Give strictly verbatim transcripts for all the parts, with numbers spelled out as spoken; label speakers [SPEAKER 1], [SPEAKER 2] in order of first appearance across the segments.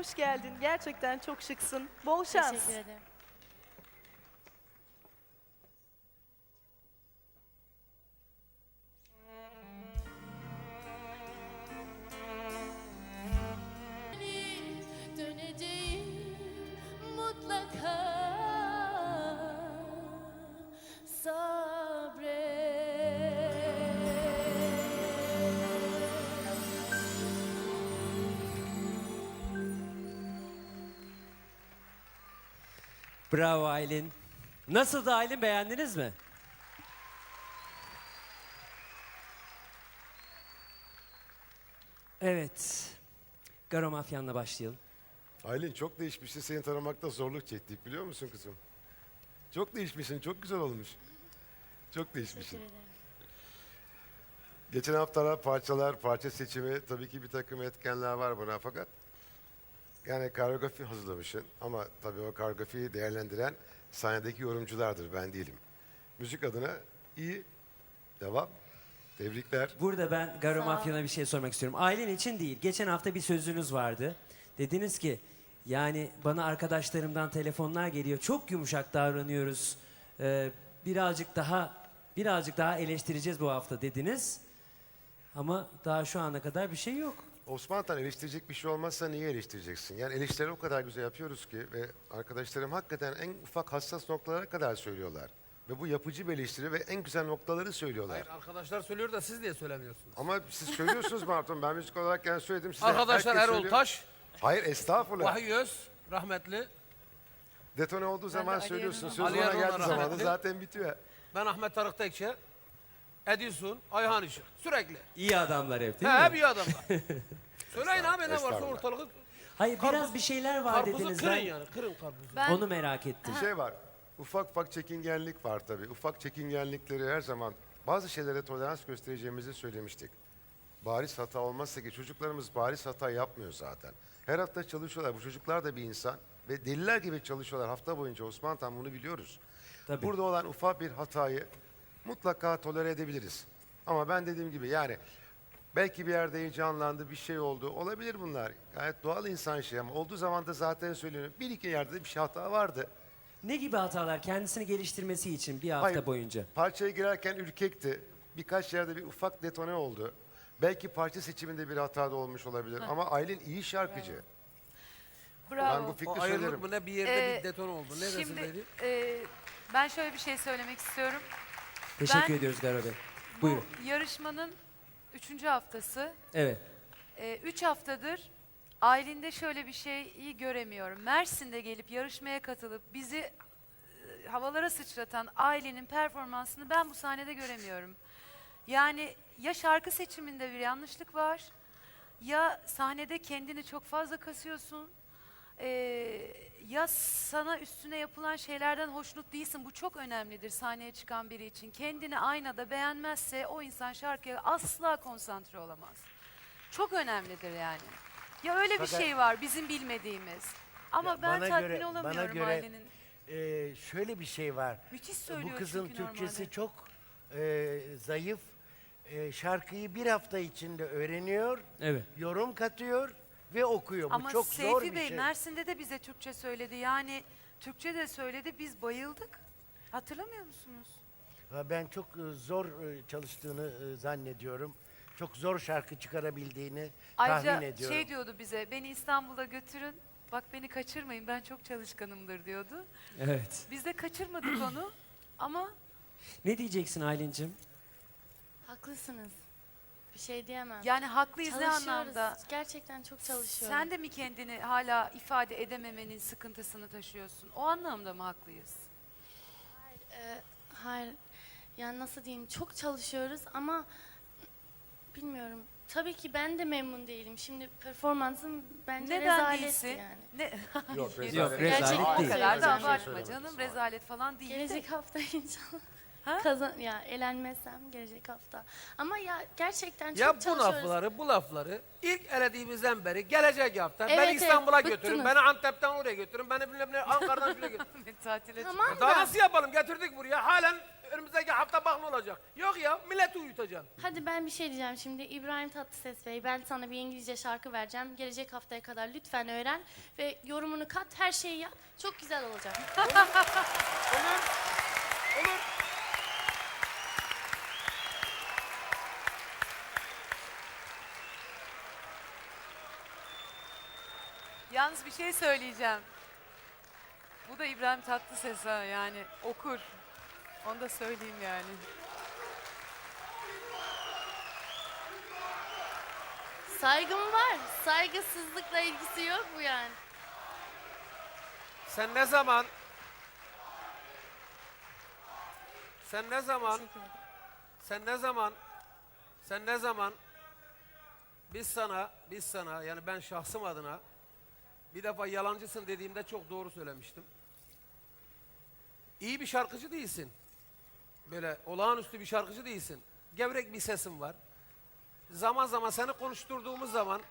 [SPEAKER 1] hoş geldin. Gerçekten çok şıksın. Bol şans.
[SPEAKER 2] Teşekkür ederim. Döneceğim mutlaka,
[SPEAKER 3] Bravo Aylin. Nasıldı Aylin, beğendiniz mi? Evet. Garo Mafyan'la başlayalım.
[SPEAKER 4] Aylin çok değişmişsin. Seni tanımakta zorluk çektik biliyor musun kızım? Çok değişmişsin. Çok güzel olmuş. Çok değişmişsin.
[SPEAKER 2] Teşekkür ederim.
[SPEAKER 4] Geçen haftalar parçalar, parça seçimi tabii ki bir takım etkenler var buna fakat yani koreografi hazırlamışsın ama tabii o koreografiyi değerlendiren sahnedeki yorumculardır, ben değilim. Müzik adına iyi, devam, tebrikler.
[SPEAKER 3] Burada ben Garo
[SPEAKER 2] Sağ ol.
[SPEAKER 3] Mafyan'a bir şey sormak istiyorum. Aylin için değil. Geçen hafta bir sözünüz vardı. Dediniz ki yani bana arkadaşlarımdan telefonlar geliyor. Çok yumuşak davranıyoruz. Ee, birazcık daha birazcık daha eleştireceğiz bu hafta dediniz. Ama daha şu ana kadar bir şey yok.
[SPEAKER 4] Osman Tan, eleştirecek bir şey olmazsa niye eleştireceksin? Yani eleştirileri o kadar güzel yapıyoruz ki ve arkadaşlarım hakikaten en ufak hassas noktalara kadar söylüyorlar. Ve bu yapıcı bir eleştiri ve en güzel noktaları söylüyorlar.
[SPEAKER 5] Hayır, arkadaşlar söylüyor da siz niye söylemiyorsunuz?
[SPEAKER 4] Ama siz söylüyorsunuz Marton. Ben müzik olarak yani söyledim size.
[SPEAKER 5] Arkadaşlar
[SPEAKER 4] Herkes
[SPEAKER 5] Erol
[SPEAKER 4] söylüyor.
[SPEAKER 5] Taş,
[SPEAKER 4] Hayır estağfurullah.
[SPEAKER 5] Vahiy Öz, rahmetli.
[SPEAKER 4] Detone olduğu zaman
[SPEAKER 1] Ali
[SPEAKER 4] söylüyorsun.
[SPEAKER 1] Erol'un-
[SPEAKER 4] Söz
[SPEAKER 5] Ali
[SPEAKER 4] ona
[SPEAKER 5] Erol'un
[SPEAKER 4] geldiği zaman da
[SPEAKER 5] rahmetli.
[SPEAKER 4] zaten bitiyor.
[SPEAKER 5] Ben Ahmet Tarık Tekçe, Edison, Ayhan Işık. Sürekli.
[SPEAKER 3] İyi adamlar hep değil
[SPEAKER 5] He,
[SPEAKER 3] mi?
[SPEAKER 5] hep iyi adamlar. Söyleyin abi ne varsa
[SPEAKER 4] Estağfurullah.
[SPEAKER 5] ortalığı.
[SPEAKER 3] Hayır biraz
[SPEAKER 5] Karpuz-
[SPEAKER 3] bir şeyler var
[SPEAKER 5] Karpuzu
[SPEAKER 3] dediniz.
[SPEAKER 5] kırın
[SPEAKER 3] Ben
[SPEAKER 5] yani, kırın karpuzu.
[SPEAKER 2] Ben
[SPEAKER 3] onu merak ettim.
[SPEAKER 4] Bir şey var. Ufak ufak çekingenlik var tabii. Ufak çekingenlikleri her zaman bazı şeylere tolerans göstereceğimizi söylemiştik. Bariz hata olmazsa ki çocuklarımız bariz hata yapmıyor zaten. Her hafta çalışıyorlar. Bu çocuklar da bir insan ve deliler gibi çalışıyorlar hafta boyunca. Osman Tan, bunu biliyoruz.
[SPEAKER 3] Tabii.
[SPEAKER 4] Burada olan ufak bir hatayı mutlaka tolere edebiliriz. Ama ben dediğim gibi yani belki bir yerde heyecanlandı, bir şey oldu. Olabilir bunlar. Gayet doğal insan şey ama olduğu zaman da zaten söyleniyor. Bir iki yerde de bir şey hata vardı.
[SPEAKER 3] Ne gibi hatalar kendisini geliştirmesi için bir hafta
[SPEAKER 4] Hayır,
[SPEAKER 3] boyunca?
[SPEAKER 4] Parçaya girerken ürkekti. Birkaç yerde bir ufak detone oldu. Belki parça seçiminde bir hata da olmuş olabilir. Ama Aylin iyi şarkıcı.
[SPEAKER 1] Bravo.
[SPEAKER 4] Ben bu fikri
[SPEAKER 5] O
[SPEAKER 4] söylerim.
[SPEAKER 5] ayrılık mı ne bir yerde
[SPEAKER 6] Ee,
[SPEAKER 5] bir deton oldu.
[SPEAKER 6] Şimdi
[SPEAKER 5] Neresindeydi?
[SPEAKER 6] e, ben şöyle bir şey söylemek istiyorum.
[SPEAKER 3] Teşekkür
[SPEAKER 6] Ben-
[SPEAKER 3] ediyoruz Garo Bey.
[SPEAKER 6] Bu
[SPEAKER 3] Buyurun.
[SPEAKER 6] yarışmanın üçüncü haftası.
[SPEAKER 3] Evet.
[SPEAKER 6] E, üç haftadır Aylin'de şöyle bir şeyi göremiyorum. Mersin'de gelip yarışmaya katılıp bizi e, havalara sıçratan Aylin'in performansını ben bu sahnede göremiyorum. Yani ya şarkı seçiminde bir yanlışlık var, ya sahnede kendini çok fazla kasıyorsun, ee, ya sana üstüne yapılan şeylerden hoşnut değilsin. Bu çok önemlidir sahneye çıkan biri için. Kendini aynada beğenmezse o insan şarkıya asla konsantre olamaz. Çok önemlidir yani. Ya öyle bir
[SPEAKER 7] Fakat-
[SPEAKER 6] şey var bizim bilmediğimiz. Ama
[SPEAKER 7] Ya
[SPEAKER 6] ben
[SPEAKER 7] bana
[SPEAKER 6] tatmin
[SPEAKER 7] göre- bana
[SPEAKER 6] olamıyorum
[SPEAKER 7] göre-
[SPEAKER 6] Aylin'in.
[SPEAKER 7] Ee, şöyle bir şey var.
[SPEAKER 6] Müthiş söylüyor
[SPEAKER 7] Bu kızın
[SPEAKER 6] çünkü
[SPEAKER 7] Türkçesi
[SPEAKER 6] normalde.
[SPEAKER 7] çok e, zayıf. E, şarkıyı bir hafta içinde öğreniyor,
[SPEAKER 3] Evet.
[SPEAKER 7] yorum katıyor ve okuyor. Bu
[SPEAKER 6] Ama
[SPEAKER 7] çok
[SPEAKER 6] Seyfi
[SPEAKER 7] zor bir
[SPEAKER 6] Bey
[SPEAKER 7] şey.
[SPEAKER 6] Mersin'de de bize Türkçe söyledi. Yani Türkçe de söyledi, biz bayıldık. Hatırlamıyor musunuz?
[SPEAKER 7] Ha, Ben çok e, zor e, çalıştığını e, zannediyorum. Çok zor şarkı çıkarabildiğini
[SPEAKER 6] Ayrıca
[SPEAKER 7] tahmin ediyorum.
[SPEAKER 6] şey diyordu bize, beni İstanbul'a götürün, bak beni kaçırmayın, ben çok çalışkanımdır diyordu.
[SPEAKER 3] Evet.
[SPEAKER 6] Biz de kaçırmadık onu ama
[SPEAKER 3] Ne diyeceksin Aylin'cim?
[SPEAKER 2] haklısınız. Bir şey diyemem.
[SPEAKER 6] yani haklıyız ne
[SPEAKER 2] Çalışıyoruz.
[SPEAKER 6] anlamda?
[SPEAKER 2] Gerçekten çok çalışıyorum.
[SPEAKER 6] Sen de mi kendini hala ifade edememenin sıkıntısını taşıyorsun? O anlamda mı haklıyız?
[SPEAKER 2] Ee, hayır. Yani nasıl diyeyim? Çok çalışıyoruz ama bilmiyorum. Tabii ki ben de memnun değilim. Şimdi performansım bence
[SPEAKER 6] Neden
[SPEAKER 2] rezaletti
[SPEAKER 6] değilsin?
[SPEAKER 2] yani.
[SPEAKER 6] Ne?
[SPEAKER 4] Yok,
[SPEAKER 3] Yok
[SPEAKER 4] rezalet.
[SPEAKER 3] rezalet
[SPEAKER 2] Gerçekten
[SPEAKER 6] o
[SPEAKER 3] değil.
[SPEAKER 6] kadar da
[SPEAKER 2] söyleyeceğim.
[SPEAKER 6] abartma
[SPEAKER 4] Söylemedim.
[SPEAKER 6] canım, rezalet falan değil de.
[SPEAKER 2] Gelecek hafta inşallah.
[SPEAKER 6] Ha?
[SPEAKER 2] Kazan ya elenmezsem gelecek hafta. Ama ya gerçekten çok
[SPEAKER 5] Ya bu
[SPEAKER 2] çalışıyoruz.
[SPEAKER 5] lafları, bu lafları ilk elediğimizden beri gelecek hafta
[SPEAKER 2] Evet,
[SPEAKER 5] beni
[SPEAKER 2] evet,
[SPEAKER 5] İstanbul'a
[SPEAKER 2] bıktınız.
[SPEAKER 5] götürün, beni Antep'ten oraya götürün, beni bilmem ne Ankara'dan şuraya götürün.
[SPEAKER 6] Tatile
[SPEAKER 2] Tamam
[SPEAKER 5] Daha
[SPEAKER 2] da.
[SPEAKER 5] nasıl yapalım? Getirdik buraya. Halen önümüzdeki hafta bak ne olacak. Yok ya, milleti uyutacaksın.
[SPEAKER 2] Hadi ben bir şey diyeceğim şimdi. İbrahim Tatlıses Bey, ben sana bir İngilizce şarkı vereceğim. Gelecek haftaya kadar lütfen öğren ve yorumunu kat, her şeyi yap. Çok güzel olacak.
[SPEAKER 5] Olur. Olur.
[SPEAKER 6] Yalnız bir şey söyleyeceğim. Bu da İbrahim Tatlıses ha, yani okur. Onu da söyleyeyim yani.
[SPEAKER 2] Saygım var. Saygısızlıkla ilgisi yok bu yani.
[SPEAKER 5] Sen ne zaman Sen ne zaman
[SPEAKER 2] Teşekkür ederim.
[SPEAKER 5] Sen ne zaman Sen ne zaman biz sana biz sana yani ben şahsım adına bir defa yalancısın dediğimde çok doğru söylemiştim. İyi bir şarkıcı değilsin. Böyle olağanüstü bir şarkıcı değilsin. Gevrek bir sesin var. Zaman zaman seni konuşturduğumuz zaman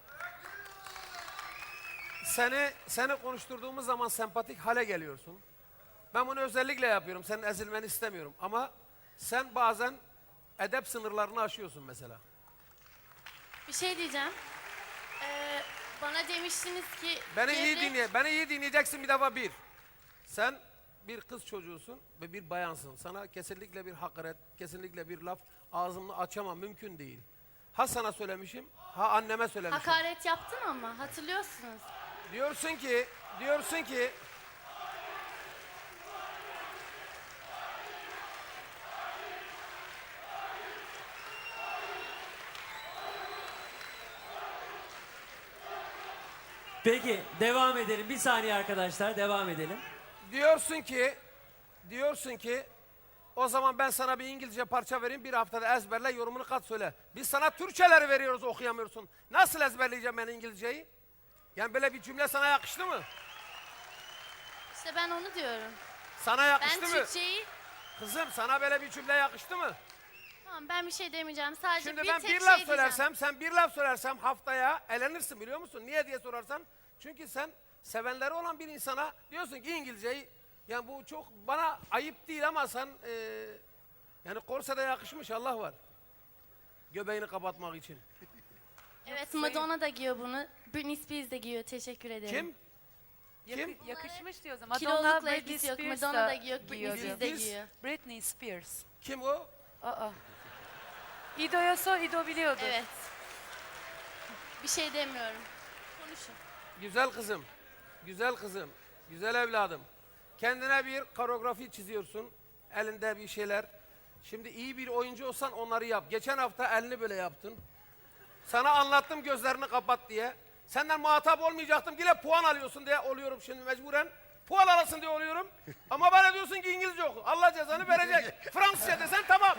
[SPEAKER 5] seni seni konuşturduğumuz zaman sempatik hale geliyorsun. Ben bunu özellikle yapıyorum. Senin ezilmeni istemiyorum. Ama sen bazen edep sınırlarını aşıyorsun mesela.
[SPEAKER 2] Bir şey diyeceğim. Ee, bana demiştiniz ki...
[SPEAKER 5] Beni iyi
[SPEAKER 2] gevrek-
[SPEAKER 5] dinle. Beni iyi dinleyeceksin bir defa bir. Sen bir kız çocuğusun ve bir bayansın. Sana kesinlikle bir hakaret, kesinlikle bir laf ağzımı açamam. Mümkün değil. Ha sana söylemişim, ha anneme söylemişim.
[SPEAKER 2] Hakaret yaptım ama hatırlıyorsunuz.
[SPEAKER 5] Diyorsun ki, diyorsun ki
[SPEAKER 3] Peki devam edelim. Bir saniye arkadaşlar devam edelim.
[SPEAKER 5] diyorsun ki diyorsun ki o zaman ben sana bir İngilizce parça vereyim, bir haftada ezberle, yorumunu kat söyle. Biz sana Türkçeleri veriyoruz, okuyamıyorsun. Nasıl ezberleyeceğim ben İngilizceyi? Yani böyle bir cümle sana yakıştı mı?
[SPEAKER 2] İşte ben onu diyorum.
[SPEAKER 5] Sana
[SPEAKER 2] Ben
[SPEAKER 5] yakıştı mı?
[SPEAKER 2] Türkçeyi...
[SPEAKER 5] Kızım sana böyle bir cümle yakıştı mı?
[SPEAKER 2] Tamam, ben bir şey demeyeceğim. Sadece
[SPEAKER 5] Şimdi
[SPEAKER 2] bir
[SPEAKER 5] ben
[SPEAKER 2] tek
[SPEAKER 5] bir
[SPEAKER 2] şey
[SPEAKER 5] laf
[SPEAKER 2] diyeceğim.
[SPEAKER 5] söylersem, sen bir laf söylersem haftaya elenirsin biliyor musun? Niye diye sorarsan. Çünkü sen sevenleri olan bir insana diyorsun ki İngilizceyi, yani bu çok bana ayıp değil ama sen e, yani korsede yakışmış, Allah var. Göbeğini kapatmak için.
[SPEAKER 2] Evet, Madonna da giyiyor bunu. Britney Spears de giyiyor. Teşekkür ederim.
[SPEAKER 5] Kim?
[SPEAKER 6] Yakı-
[SPEAKER 5] Kim?
[SPEAKER 6] yakışmış diyoruz. Madonna,
[SPEAKER 2] Kilolukla
[SPEAKER 6] Britney
[SPEAKER 2] ilgisi yok.
[SPEAKER 6] Spears
[SPEAKER 2] Madonna da giyiyor, Britney
[SPEAKER 6] giyiyordu.
[SPEAKER 2] Spears de
[SPEAKER 5] Biz-
[SPEAKER 2] giyiyor.
[SPEAKER 6] Britney Spears.
[SPEAKER 5] Kim o?
[SPEAKER 6] Aa. İdo'ya sor, İdo biliyordu.
[SPEAKER 2] Evet. Bir şey demiyorum. Konuşun.
[SPEAKER 5] Güzel kızım. Güzel kızım. Güzel evladım. Kendine bir koreografi çiziyorsun. Elinde bir şeyler. Şimdi iyi bir oyuncu olsan onları yap. Geçen hafta elini böyle yaptın. Sana anlattım gözlerini kapat diye. Senden muhatap olmayacaktım. Yine puan alıyorsun diye oluyorum şimdi mecburen. Puan alasın diye oluyorum. Ama bana diyorsun ki İngilizce oku. Allah cezanı verecek. Fransızca desen tamam.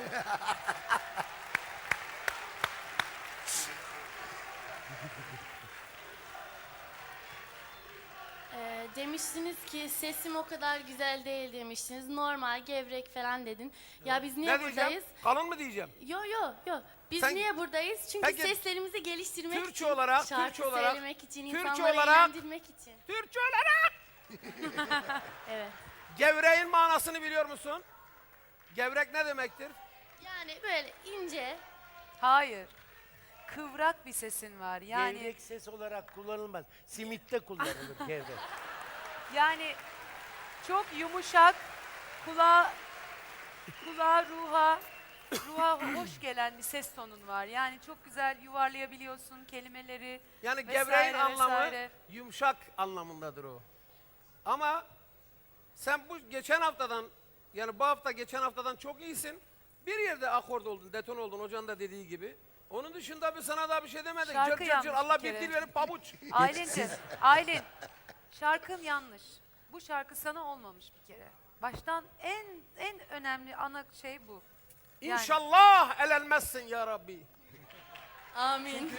[SPEAKER 2] Ee, demiştiniz ki sesim o kadar güzel değil demiştiniz. Normal, gevrek falan dedin. Ya biz niye
[SPEAKER 5] Ne diyeceğim?
[SPEAKER 2] buradayız?
[SPEAKER 5] Kalın mı diyeceğim?
[SPEAKER 2] Yo yo yo. Biz
[SPEAKER 5] Sen-
[SPEAKER 2] niye buradayız? Çünkü
[SPEAKER 5] Peki,
[SPEAKER 2] seslerimizi geliştirmek
[SPEAKER 5] Türkçe
[SPEAKER 2] için,
[SPEAKER 5] olarak,
[SPEAKER 2] şarkı
[SPEAKER 5] Türkçe olarak,
[SPEAKER 2] söylemek için,
[SPEAKER 5] Türkçe
[SPEAKER 2] insanları
[SPEAKER 5] olarak-
[SPEAKER 2] eğlendirmek için.
[SPEAKER 5] Türkçe olarak.
[SPEAKER 2] Evet.
[SPEAKER 5] Gevreğin manasını biliyor musun? Gevrek ne demektir?
[SPEAKER 2] Yani böyle ince.
[SPEAKER 6] Hayır. Kıvrak bir sesin var. Yani
[SPEAKER 7] Gevrek ses olarak kullanılmaz. Simitte kullanılır gevrek.
[SPEAKER 6] yani çok yumuşak, kulağa kulağa ruha ruha hoş gelen bir ses tonun var. Yani çok güzel yuvarlayabiliyorsun kelimeleri.
[SPEAKER 5] Yani
[SPEAKER 6] vesaire,
[SPEAKER 5] gevreğin anlamı
[SPEAKER 6] vesaire.
[SPEAKER 5] yumuşak anlamındadır o. Ama sen bu geçen haftadan, yani bu hafta geçen haftadan çok iyisin. Bir yerde akord oldun, deton oldun hocanın da dediği gibi. Onun dışında bir sana daha bir şey demedik.
[SPEAKER 6] Şarkı
[SPEAKER 5] Cır cır cır
[SPEAKER 6] yanlış
[SPEAKER 5] Allah
[SPEAKER 6] bir
[SPEAKER 5] bir
[SPEAKER 6] kere.
[SPEAKER 5] dil verip pabuç.
[SPEAKER 6] Aylin'cim, Aylin, şarkın yanlış. Bu şarkı sana olmamış bir kere. Baştan en en önemli ana şey bu. Yani-
[SPEAKER 5] İnşallah elenmezsin ya Rabbi.
[SPEAKER 2] Amin.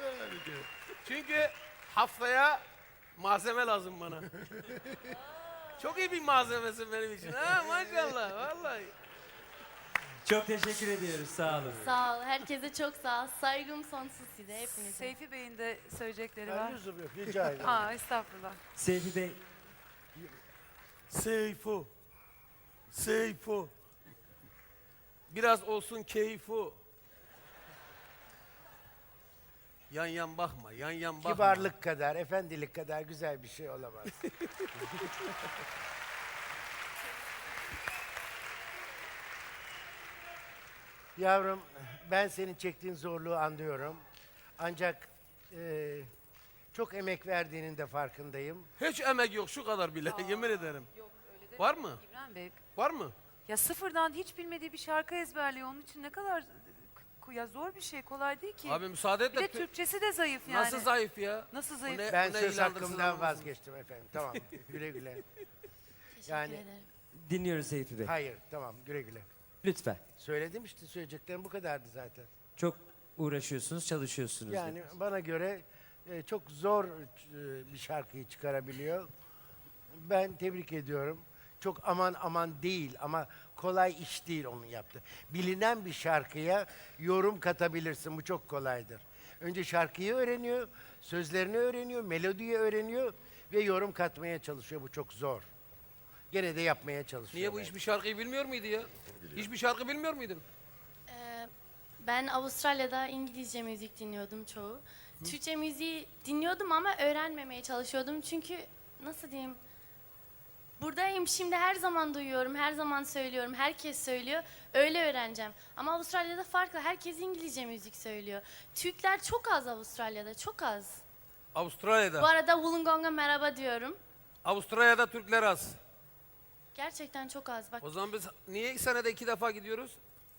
[SPEAKER 5] Çünkü haftaya malzeme lazım bana. Çok iyi bir malzemesin benim için. Ha maşallah vallahi.
[SPEAKER 3] Çok teşekkür ediyoruz. Sağ olun.
[SPEAKER 2] Sağ ol. Herkese çok sağ ol. Saygım sonsuz size hepinize.
[SPEAKER 6] Seyfi Bey'in de söyleyecekleri
[SPEAKER 7] Ben
[SPEAKER 6] var.
[SPEAKER 7] lüzum yok, rica ederim.
[SPEAKER 6] Aa estağfurullah.
[SPEAKER 3] Seyfi Bey,
[SPEAKER 5] Seyfu. Seyfu. Biraz olsun keyfu. Yan yan bakma, yan yan bakma.
[SPEAKER 7] Kibarlık kadar, efendilik kadar güzel bir şey olamaz. Yavrum, ben senin çektiğin zorluğu anlıyorum. Ancak eee, çok emek verdiğinin de farkındayım.
[SPEAKER 5] Hiç emek yok şu kadar bile yemin ederim.
[SPEAKER 6] Yok öyle de
[SPEAKER 5] Var mı?
[SPEAKER 6] İbrahim Bey.
[SPEAKER 5] Var mı?
[SPEAKER 6] Ya sıfırdan hiç bilmediği bir şarkı ezberliyor. Onun için ne kadar ya zor bir şey, kolay değil ki.
[SPEAKER 5] Abi müsaade et
[SPEAKER 6] bir de
[SPEAKER 5] de
[SPEAKER 6] Türkçesi de zayıf yani.
[SPEAKER 5] nasıl zayıf ya?
[SPEAKER 6] Nasıl
[SPEAKER 5] Bu
[SPEAKER 6] zayıf?
[SPEAKER 5] ne-
[SPEAKER 7] Ben
[SPEAKER 5] bu ne
[SPEAKER 7] söz
[SPEAKER 5] ilandırsın
[SPEAKER 7] hakkımdan
[SPEAKER 5] anlamazsın.
[SPEAKER 7] vazgeçtim efendim. Tamam, güle güle.
[SPEAKER 2] Teşekkür
[SPEAKER 7] Yani-
[SPEAKER 2] ederim.
[SPEAKER 3] dinliyoruz Seyfi Bey.
[SPEAKER 7] Hayır, tamam, güle güle.
[SPEAKER 3] Lütfen.
[SPEAKER 7] Söyledim işte, söyleyeceklerim bu kadardı zaten.
[SPEAKER 3] Çok uğraşıyorsunuz, çalışıyorsunuz.
[SPEAKER 7] Yani bana göre e, çok zor e, bir şarkıyı çıkarabiliyor. Ben tebrik ediyorum. Çok aman aman değil ama kolay iş değil onun yaptığı. Bilinen bir şarkıya yorum katabilirsin. Bu çok kolaydır. Önce şarkıyı öğreniyor, sözlerini öğreniyor, melodiyi öğreniyor ve yorum katmaya çalışıyor. Bu çok zor. Gene de yapmaya çalışıyor.
[SPEAKER 5] Niye bu
[SPEAKER 7] bence.
[SPEAKER 5] hiçbir şarkıyı bilmiyor muydu ya? Hiçbir şarkı bilmiyor muydun?
[SPEAKER 2] Ee, ben Avustralya'da İngilizce müzik dinliyordum çoğu. Türkçe müziği dinliyordum ama öğrenmemeye çalışıyordum. Çünkü nasıl diyeyim? Buradayım şimdi her zaman duyuyorum, her zaman söylüyorum, herkes söylüyor. Öyle öğreneceğim. Ama Avustralya'da farklı. Herkes İngilizce müzik söylüyor. Türkler çok az Avustralya'da, çok az.
[SPEAKER 5] Avustralya'da.
[SPEAKER 2] Bu arada Wollongong'a merhaba diyorum.
[SPEAKER 5] Avustralya'da Türkler az.
[SPEAKER 2] Gerçekten çok az. Bak
[SPEAKER 5] O zaman biz niye senede iki defa gidiyoruz?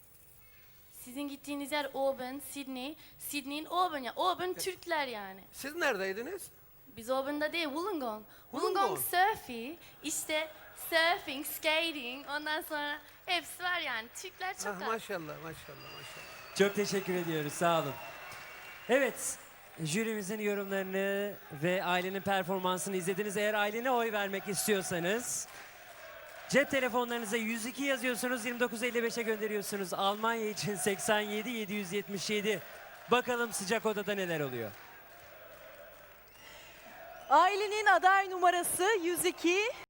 [SPEAKER 2] sizin gittiğiniz yer Auburn, Sydney. Sydney'in Auburn ya. Auburn Türkler yani.
[SPEAKER 5] Siz neredeydiniz?
[SPEAKER 2] Biz Auburn'da değil, Wollongong.
[SPEAKER 5] Wollongong.
[SPEAKER 2] Wollongong surfi, işte surfing, skating, ondan sonra hepsi var yani. Türkler çok
[SPEAKER 5] Ah,
[SPEAKER 2] az.
[SPEAKER 5] maşallah maşallah maşallah.
[SPEAKER 3] Çok teşekkür ediyoruz. Sağ olun. Evet, jürimizin yorumlarını ve ailenin performansını izlediniz. Eğer ailene oy vermek istiyorsanız cep telefonlarınıza yüz iki yazıyorsunuz, yirmi dokuz elli beşe gönderiyorsunuz. Almanya için seksen yedi yedi yüz yetmiş yedi. Bakalım sıcak odada neler oluyor.
[SPEAKER 1] Ailenin aday numarası yüz iki.